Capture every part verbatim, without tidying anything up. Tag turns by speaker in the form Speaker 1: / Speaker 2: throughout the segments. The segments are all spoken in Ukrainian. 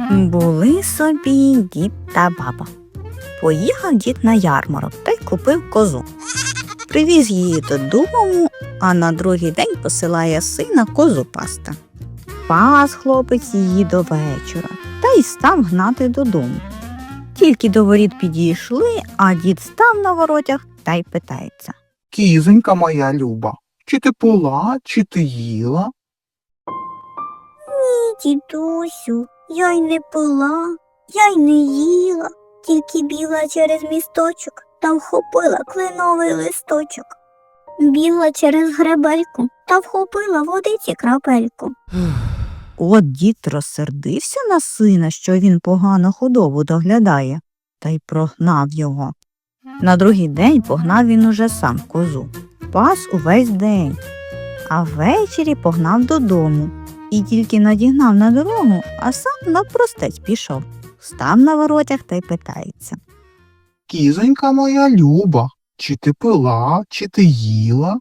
Speaker 1: Були собі дід та баба. Поїхав дід на ярмарок та й купив козу. Привіз її додому, а на другий день посилає сина козу пасти. Пас хлопець її до вечора та й став гнати додому. Тільки до воріт підійшли, а дід став на воротях та й питається:
Speaker 2: Кізонька моя люба, чи ти пила, чи ти їла?
Speaker 3: Ні, дідусю, я й не пила, я й не їла, тільки бігла через місточок та вхопила кленовий листочок. Бігла через гребельку та вхопила водиці крапельку.
Speaker 1: От дід розсердився на сина, що він погано худобу доглядає, та й прогнав його. На другий день погнав він уже сам козу. Пас увесь день, а ввечері погнав додому. І тільки надігнав на дорогу, а сам навпростець пішов. Став на воротях та й питається:
Speaker 2: Кізонька моя люба, чи ти пила, чи ти їла?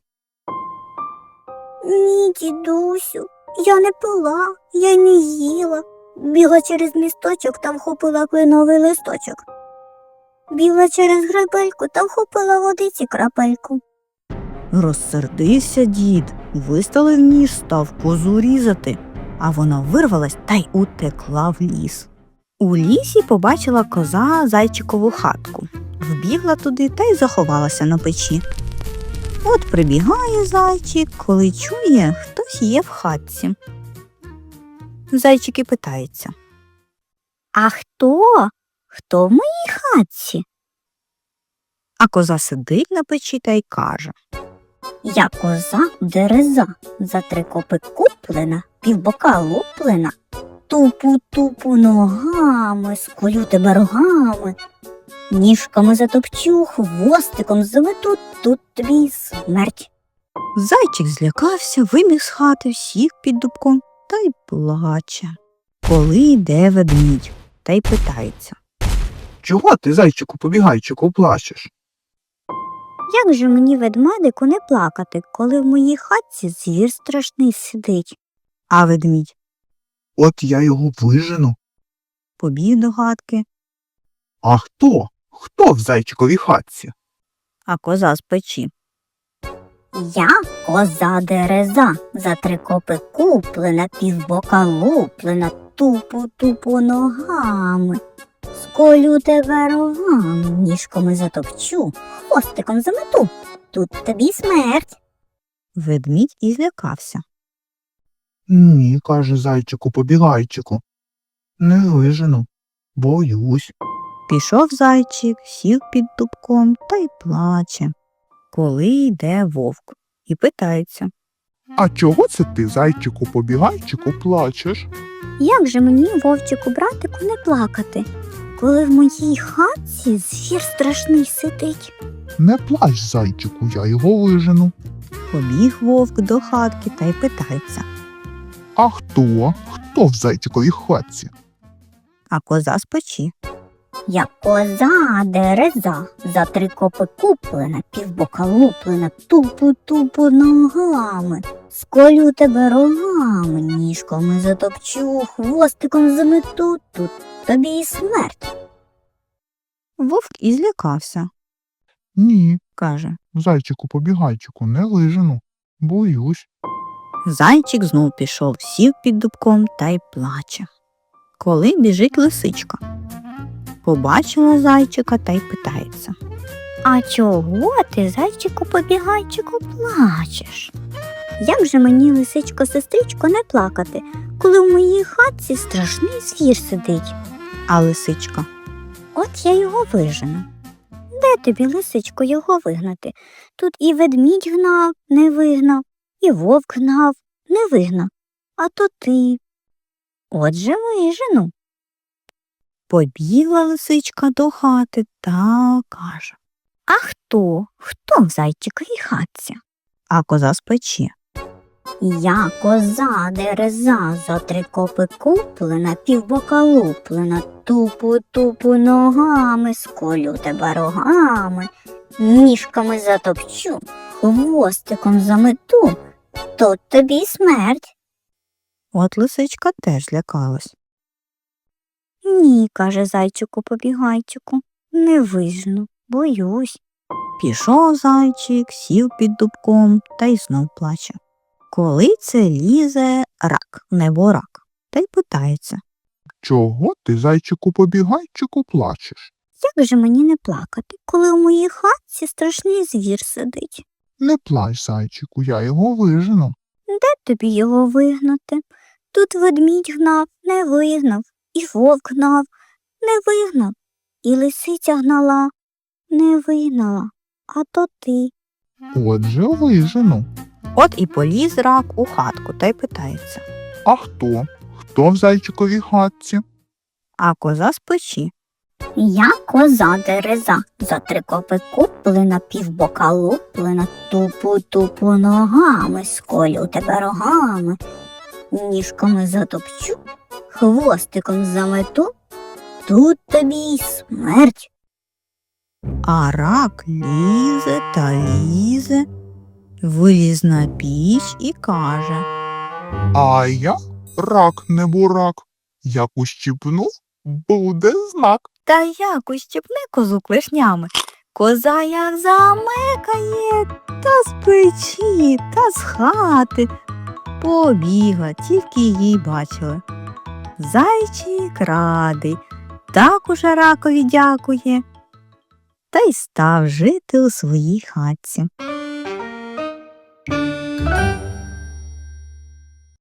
Speaker 3: Ні, дідусю, я не пила, я й не їла. Бігла через місточок та вхопила кленовий листочок. Бігла через гребельку та вхопила водиці крапельку.
Speaker 1: Розсердився дід, виставив ніж, став козу різати, а вона вирвалась та й утекла в ліс. У лісі побачила коза зайчикову хатку. Вбігла туди та й заховалася на печі. От прибігає зайчик, коли чує, хтось є в хатці. Зайчик і питається:
Speaker 3: А хто? Хто в моїй хатці?
Speaker 1: А коза сидить на печі та й каже:
Speaker 3: Я коза дереза, за три копи куплена, півбока луплена. Тупу-тупу ногами, сколю тебе рогами. Ніжками затопчу, хвостиком замету, тут тобі й смерть.
Speaker 1: Зайчик злякався, вибіг з хати, сів під дубком та й плаче. Коли йде ведмідь та й питається:
Speaker 2: Чого ти, зайчику побігайчику, плачеш?
Speaker 3: Як же мені, ведмедику, не плакати, коли в моїй хатці звір страшний сидить?
Speaker 1: А ведмідь
Speaker 2: От я його вижену.
Speaker 1: побіг до хатки,
Speaker 2: А хто? Хто в зайчиковій хатці?
Speaker 1: а коза з печі:
Speaker 3: Я коза дереза, за три копи куплена, півбока луплена, тупу-тупу ногами. Сколю тебе рогами, ніжками затопчу, хвостиком замету, тут тобі смерть.
Speaker 1: Ведмідь і злякався.
Speaker 2: Ні, каже зайчику побігайчику. Не вижену, боюсь.
Speaker 1: Пішов зайчик, сів під дубком та й плаче. Коли йде вовк і питається:
Speaker 2: А чого це ти, зайчику побігайчику, плачеш?
Speaker 3: Як же мені, вовчику братику, не плакати, коли в моїй хатці звір страшний сидить?
Speaker 2: Не плач, зайчику, я його вижену.
Speaker 1: Побіг вовк до хатки та й питається,
Speaker 2: А хто? Хто в зайчиковій хатці?
Speaker 1: а коза з печі:
Speaker 3: Я коза дереза, за три копи куплена, півбока луплена, тупу-тупу ногами. Сколю тебе рогами, ніжками затопчу, хвостиком замету, тут тобі й смерть.
Speaker 1: Вовк і злякався,
Speaker 2: Ні,
Speaker 1: каже.
Speaker 2: зайчику побігайчику, не вижену, боюсь.
Speaker 1: Зайчик знов пішов, сів під дубком та й плаче. Коли біжить лисичка. Побачила зайчика та й питається:
Speaker 3: А чого ти, зайчику-побігайчику, плачеш? Як же мені, лисичко-сестричко, не плакати, коли в моїй хатці страшний звір сидить?
Speaker 1: А лисичка:
Speaker 3: От я його вижену. Де тобі, лисичко, його вигнати? Тут і ведмідь гнав, не вигнав, і вовк гнав, не вигнав. А то ти. Отже, вижену.
Speaker 1: Побігла лисичка до хати та каже:
Speaker 3: А хто? Хто в зайчиковій хатці?
Speaker 1: а коза з печі:
Speaker 3: Я коза дереза, за три копи куплена, півбока луплена, тупу-тупу ногами, сколю тебе рогами, ніжками затопчу, хвостиком замету, тут тобі й смерть.
Speaker 1: От лисичка теж злякалась.
Speaker 3: Ні, каже зайчику побігайчику, не вижну, боюсь.
Speaker 1: Пішов зайчик, сів під дубком та й знов плаче. Коли це лізе рак, неборак, та й питається.
Speaker 2: Чого ти, зайчику побігайчику, плачеш?
Speaker 3: Як же мені не плакати, коли у моїй хатці страшний звір сидить?
Speaker 2: Не плач, зайчику, я його вижену.
Speaker 3: Де тобі його вигнати? Тут ведмідь гнав, не вигнав, і вовк гнав, не вигнав, і лисиця гнала, не вигнала, а то ти.
Speaker 2: Отже, вижену.
Speaker 1: От і поліз рак у хатку та й питається.
Speaker 2: А хто? Хто в зайчиковій хатці?
Speaker 1: А коза з печі.
Speaker 3: Я коза дереза, за три копи куплена, півбока луплена, тупу-тупу ногами, сколю тебе рогами, ніжками затопчу, хвостиком замету, тут тобі й смерть.
Speaker 1: А рак лізе та лізе, виліз на піч і каже.
Speaker 2: А я рак не бурак. Як ущипну, буде знак.
Speaker 1: Та як ущипне козу клешнями, коза як замекає, та з печі, та з хати. Побігла, тільки її бачили. Зайчик радий, так уже ракові дякує, та й став жити у своїй хатці.